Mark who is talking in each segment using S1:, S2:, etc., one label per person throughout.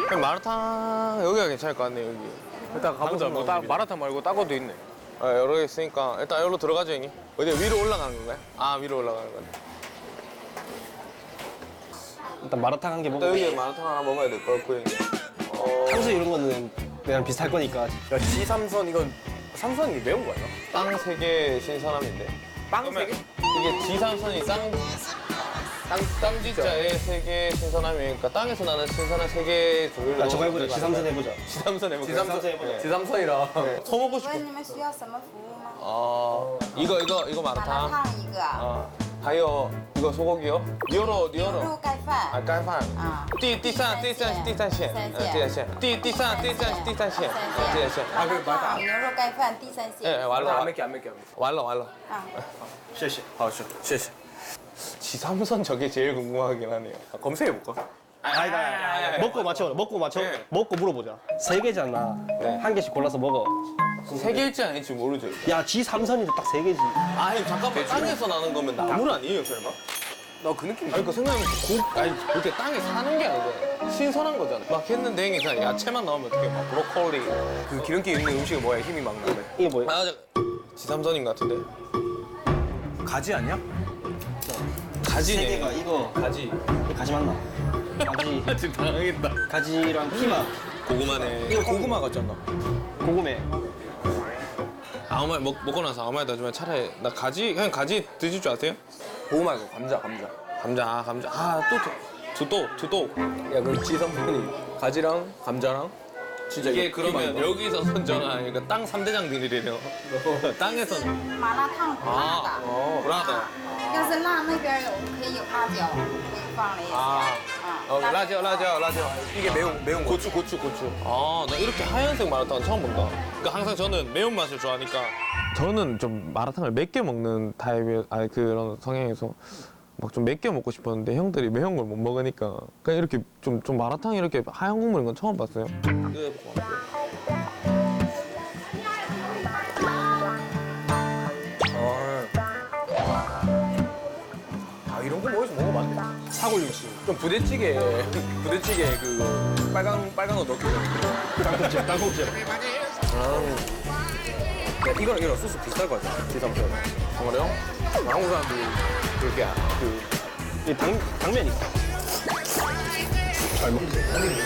S1: 그냥 마라탕 여기가 괜찮을 것 같네 여기.
S2: 일단 가보자. 뭐 마라탕 말고 따고도 있네.
S1: 아, 여러 개 있으니까 일단 여기로 들어가죠 형님. 어디 위로 올라가는 건가요? 아 위로 올라가는 거네.
S3: 일단 마라탕 한 개 먹고.
S1: 일단 여기 마라탕 하나 먹어야 될 것 같고 형님.
S3: 탕수 이런 거는 그냥 비슷할 거니까.
S2: 야, 지삼선 이건 삼선이 매운 거 아니야?
S1: 땅 3개 신선함인데.
S2: 빵 3개?
S1: 이게 지삼선이 땅지자에 3개 신선함이니까 땅에서 나는 신선한 3개 종류를
S3: 야, 저거 해보자. 지삼선 해보자.
S1: 지삼선 해볼까요?
S3: 지삼선 해보자.
S2: 지삼선이랑.
S1: 더 먹고
S4: 请
S1: 싶어.
S4: 问你们需要什么服务吗？
S1: 아 이거
S4: 麻辣
S1: 마라탕.
S4: 烫一个，
S1: 아 하여 이거 소고기요? 니어로
S4: 牛
S1: 니어로.
S4: 肉盖饭，
S1: 아 깐판.
S4: 啊，
S1: 第三线，第三线。
S2: 아, 그래, 맞아.
S4: 牛肉盖饭第三
S1: 예,
S4: 线，
S1: 완로.
S2: 안 맺게, 안 맺게.
S1: 완로.
S4: 啊，
S2: 谢谢. 아,谢谢.
S1: 지삼선 저게 제일 궁금하긴 하네요.
S2: 아, 검색해볼까?
S3: 아니다. 먹고 맞춰. 먹고 맞춰.
S1: 네.
S3: 먹고 물어보자. 3개잖아.
S1: 네.
S3: 한 개씩 골라서 먹어.
S1: 세 개일지 아닐지 모르죠.
S3: 야, 지삼선인데 딱 3개지.
S1: 아니 잠깐만 땅에서 나는 거면 나물 아니에요 설마?
S2: 나 그 느낌.
S1: 아니 그 생각하면 아니 그렇게 땅에 사는 게 아니고 신선한 거잖아. 막 했는데 형이 그냥 야채만 나오면 어떻게 막 브로콜리.
S2: 그 기름기 있는 음식은 뭐야? 힘이 막 나네.
S3: 이게 뭐야?
S1: 아 지삼선인 것 같은데.
S2: 가지 아니야?
S1: 가지네.
S3: 3개가 이거.
S1: 가지.
S3: 가지 맞나? 가지.
S1: 지금 당황했다.
S3: 가지랑 피마.
S1: 고구마네.
S2: 이거 고구마 같잖아.
S3: 고구매.
S1: 아무 말 먹고 나서 아무 말도 하지만 차라리 나 가지 그냥 가지 드실 줄 아세요?
S2: 고구마 이거 감자.
S1: 감자. 두도.
S2: 야, 그 지삼선이 가지랑 감자랑 진짜
S1: 이게
S2: 이거
S1: 그러면
S2: 피망.
S1: 여기서 선정하니까 땅 3대장들이래요. 땅에서는
S4: 麻辣烫不辣的，
S1: 브라더.
S4: 要是辣那边有可以有辣椒，可以放了一些，
S1: 아,
S4: 啊，
S1: 라죠.
S2: 이게 매운 거.
S1: 고추. 아, 나 이렇게 하얀색 마라탕 처음 본다. 그러니까 항상 저는 매운맛을 좋아하니까. 저는 좀 마라탕을 맵게 먹는 타입이, 아니 그런 성향에서 막 좀 맵게 먹고 싶었는데 형들이 매운 걸 못 먹으니까 그냥 이렇게 좀 마라탕 이렇게 하얀 국물인 건 처음 봤어요.
S2: 아, 이런 거 어디서 먹어봤네. 사골육수. 좀 부대찌개 그 빨간 거 넣기.
S3: 땅콩찜.
S2: 야, 이거랑 소스 비슷할 것 같아. 지삼선.
S1: 그래요?
S2: 한국 사람들이 그렇게
S3: 이 당면 있어. 잘 먹지.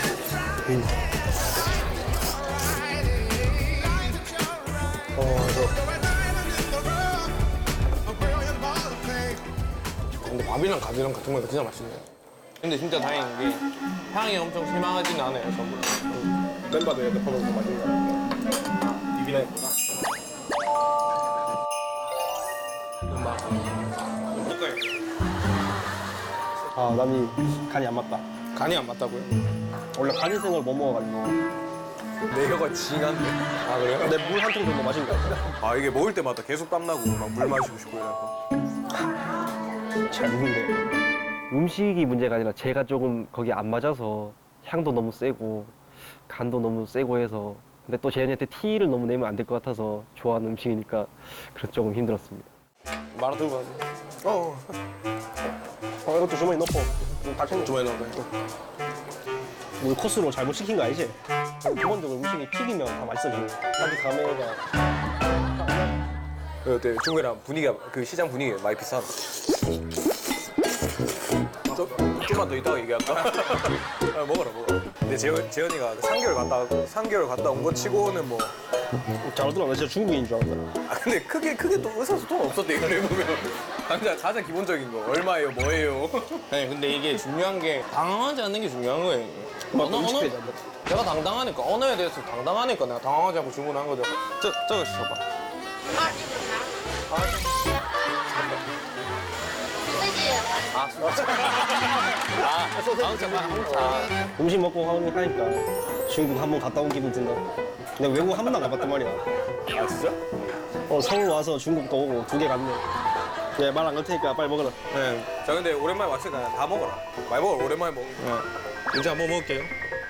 S1: 근데 밥이랑 가지랑 같은 거니까 진짜 맛있네요. 근데 진짜 다행인 게 향이 엄청 실망하지는 않아요, 전부.
S3: 멤버도 이렇게 퍼먹고 맛있는 거. 비비나 있구나. 아, 남이 간이 안 맞다.
S1: 간이 안 맞다고요?
S3: 원래 간이생을 못 먹어가지고.
S2: 내 혀가 징한데.
S1: 아 그래요?
S3: 내 물 한 통 정도 마신 거 같아.
S2: 아, 이게 먹을 때마다 계속 땀나고 막 물 마시고 싶고 이래서.
S3: 잘 먹는데. 음식이 문제가 아니라 제가 조금 거기 안 맞아서 향도 너무 세고 간도 너무 세고 해서 근데 또 재현이한테 티를 너무 내면 안 될 것 같아서 좋아하는 음식이니까 그래서 조금 힘들었습니다.
S1: 마라 들고 가세요.
S3: 이것도 주머니 넣고 다 챙겨.
S1: 주머니 넣어요.
S3: 우리 코스로 잘못 시킨 거 아니지? 기본적으로 음식이 튀기면 다 맛있어지고 아직 감회가
S2: 어때? 중국이랑 분위기가 그 시장 분위기가 많이 비슷하다. 좀만 더 이따가 얘기할까? 아, 먹어라. 근데 재현이가 3개월 갔다 온 거 치고는 뭐.
S3: 잘하더라. 나 진짜 중국인인 줄 알았다.
S2: 아, 근데 크게 또 의사소통 없었대, 이걸 해보면. 가장 기본적인 거. 얼마예요, 뭐예요?
S1: 네, 근데 이게 중요한 게 당황하지 않는 게 중요한 거예요. 내가 당당하니까 언어에 대해서 당당하니까 내가 당황하지 않고 주문한 거죠. 저거 시켜봐.
S3: 음식 먹고 하니까 중국 한 번 갔다 온 기분 든다. 내가 외국 한 번도 안 가봤단 말이야.
S2: 아, 진짜?
S3: 서울 와서 중국도 오고 2개 갔네. 네, 말 안 걸 테니까 빨리 먹어라.
S2: 네. 자, 근데 오랜만에 왔으니까 다 먹어라. 많이 먹어라, 오랜만에 먹어.
S1: 이제 한번 먹을게요.